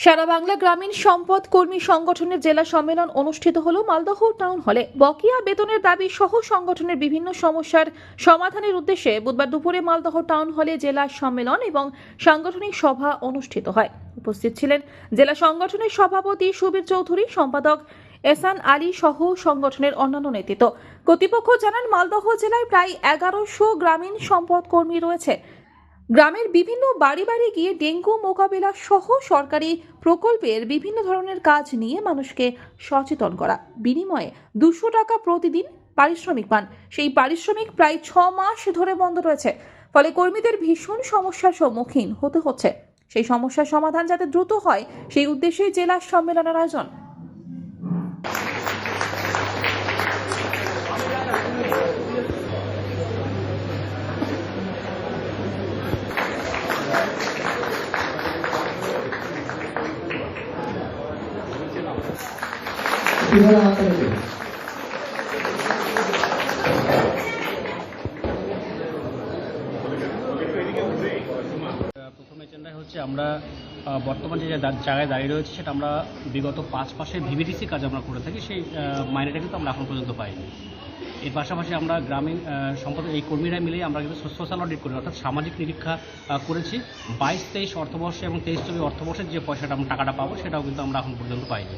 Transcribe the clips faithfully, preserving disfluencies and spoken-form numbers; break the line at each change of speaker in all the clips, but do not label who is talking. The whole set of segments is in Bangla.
সারা বাংলা গ্রামীণ সম্পদ কর্মী সংগঠনের জেলা সম্মেলন অনুষ্ঠিত হলো মালদহ টাউন হলে। বকেয়া বেতনের দাবি সহ সংগঠনের বিভিন্ন সমস্যার সমাধানের উদ্দেশ্যে বুধবার দুপুরে মালদহ টাউন হলে জেলা সম্মেলন এবং সাংগঠনিক সভা অনুষ্ঠিত হয়। উপস্থিত ছিলেন জেলা সংগঠনের সভাপতি সুবীর চৌধুরী, সম্পাদক এহসান আলী সহ সংগঠনের অন্যান্য নেতৃত্ব। কর্তৃপক্ষ জানান, মালদহ জেলায় প্রায় এগারোশো গ্রামীণ সম্পদ কর্মী রয়েছে। গ্রামের বিভিন্ন বাড়ি বাড়ি গিয়ে ডেঙ্গু মোকাবিলা সহ সরকারি প্রকল্পের বিভিন্ন ধরনের কাজ নিয়ে মানুষকে সচেতন করা, বিনিময়ে দুশো টাকা প্রতিদিন পারিশ্রমিক পান। সেই পারিশ্রমিক প্রায় ছ মাস ধরে বন্ধ রয়েছে, ফলে কর্মীদের ভীষণ সমস্যার সম্মুখীন হতে হচ্ছে। সেই সমস্যার সমাধান যাতে দ্রুত হয়, সেই উদ্দেশ্যে জেলা সম্মেলনের আয়োজন।
প্রথম এজেন্ডা হচ্ছে আমরা বর্তমানে যে জায়গায় দাঁড়িয়ে রয়েছে সেটা আমরা বিগত পাঁচ মাসের ভিভিডিসি কাজ আমরা করে থাকি, সেই মাইনেটা কিন্তু আমরা এখন পর্যন্ত পাইনি। এর পাশাপাশি আমরা গ্রামীণ সম্পদ এই কর্মীরা মিলে আমরা কিন্তু সোশ্যাল অডিট করি, অর্থাৎ সামাজিক নিরীক্ষা করেছি। বাইশ তেইশ অর্থবর্ষে এবং তেইশ চব্বিশ অর্থবর্ষের যে পয়সাটা আমরা টাকাটা পাবো সেটাও কিন্তু আমরা এখন পর্যন্ত পাইনি।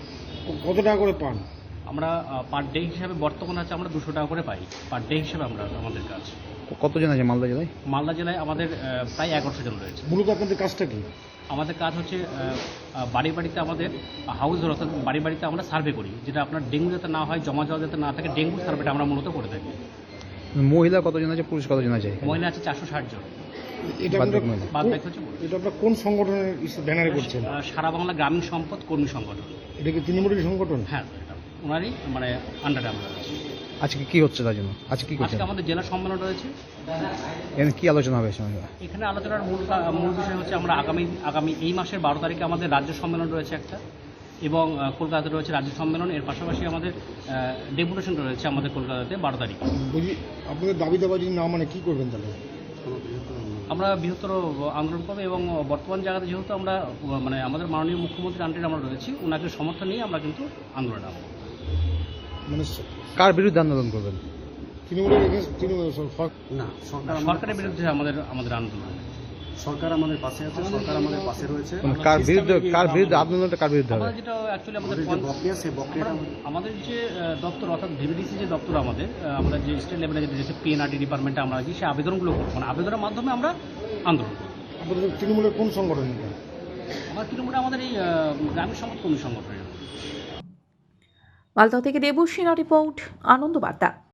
কত টাকা করে পান?
আমরা পার ডে হিসাবে বর্তমানে আছে আমরা দুশো টাকা করে পাই পার ডে হিসাবে। আমরা আমাদের কাজ
কতজন আছে মালদা জেলায়?
মালদা জেলায় আমাদের প্রায় এগারোশো জন রয়েছে।
মূলত আপনাদের কাজটা কি?
আমাদের কাজ হচ্ছে বাড়ি বাড়িতে আমাদের হাউস অর্থাৎ বাড়ি বাড়িতে আমরা সার্ভে করি, যেটা আপনার ডেঙ্গু যাতে না হয়, জমা জল যাতে না থাকে, ডেঙ্গু সার্ভেটা আমরা মূলত করে থাকি।
মহিলা কতজন আছে, পুরুষ কতজন আছে?
মহিলা আছে চারশো ষাট জন।
এটা
বাদ বাকি হচ্ছে
এটা আপনার কোন সংগঠনের ব্যানারে করছেন?
সারা বাংলা গ্রামীণ সম্পদ কর্মী সংগঠন।
এটা কি তৃণমূলের সংগঠন?
হ্যাঁ, এটা ওনারই মানে আন্ডারে আমরা আছি।
আজকে কি হচ্ছে তার জন্য? আজকে কি করছেন?
আজকে আমাদের জেলা সম্মেলন রয়েছে।
এখানে কি আলোচনা হবে?
এখানে আলোচনার মূল মূল বিষয় হচ্ছে আমরা আগামী আগামী এই মাসের বারো তারিখে আমাদের রাজ্য সম্মেলন রয়েছে একটা, এবং কলকাতাতে রয়েছে রাজ্য সম্মেলন। এর পাশাপাশি আমাদের ডেপুটেশন রয়েছে আমাদের কলকাতাতে বারো তারিখে।
বুঝি আপনাদের দাবি দাবা যদি না মানে কী করবেন তাহলে?
আমরা বৃহত্তর আন্দোলন করবো, এবং বর্তমান জায়গাতে যেহেতু আমরা মানে আমাদের মাননীয় মুখ্যমন্ত্রী আন্ডারে আমরা রয়েছি, ওনাকে সমর্থন নিয়ে আমরা কিন্তু আন্দোলন নামব।
মানে কার বিরুদ্ধে আন্দোলন করবেন?
তৃণমূলের তৃণমূল
না, সরকার
সরকারের বিরুদ্ধে আমাদের আমাদের আন্দোলন।
সরকার আমাদের পাশে আছে, সরকার আমাদের পাশে রয়েছে।
কার বিরুদ্ধে কার বিরুদ্ধে আন্দোলনটা কার বিরুদ্ধে হবে?
আমাদের যেটা অ্যাকচুয়ালি আমাদের
যে বকেয়া সেই বকেয়াটা
আমাদের যে দপ্তর অর্থাৎ ভিভিডিসি যে দপ্তর আমাদের, আমরা যে স্টেট লেভেলে যে পিএনআরডি ডিপার্টমেন্টে আমরা আছি, সেই আবেদনগুলো করবো, মানে আবেদনের মাধ্যমে আমরা আন্দোলন করব।
আপনাদের তৃণমূলের কোন সংগঠন?
আমার তৃণমূলে আমাদের এই গ্রামীণ সম্পদ কর্মী সংগঠনের।
মালদহ থেকে দেবশ্রীনা রিপোর্ট, আনন্দ বার্তা।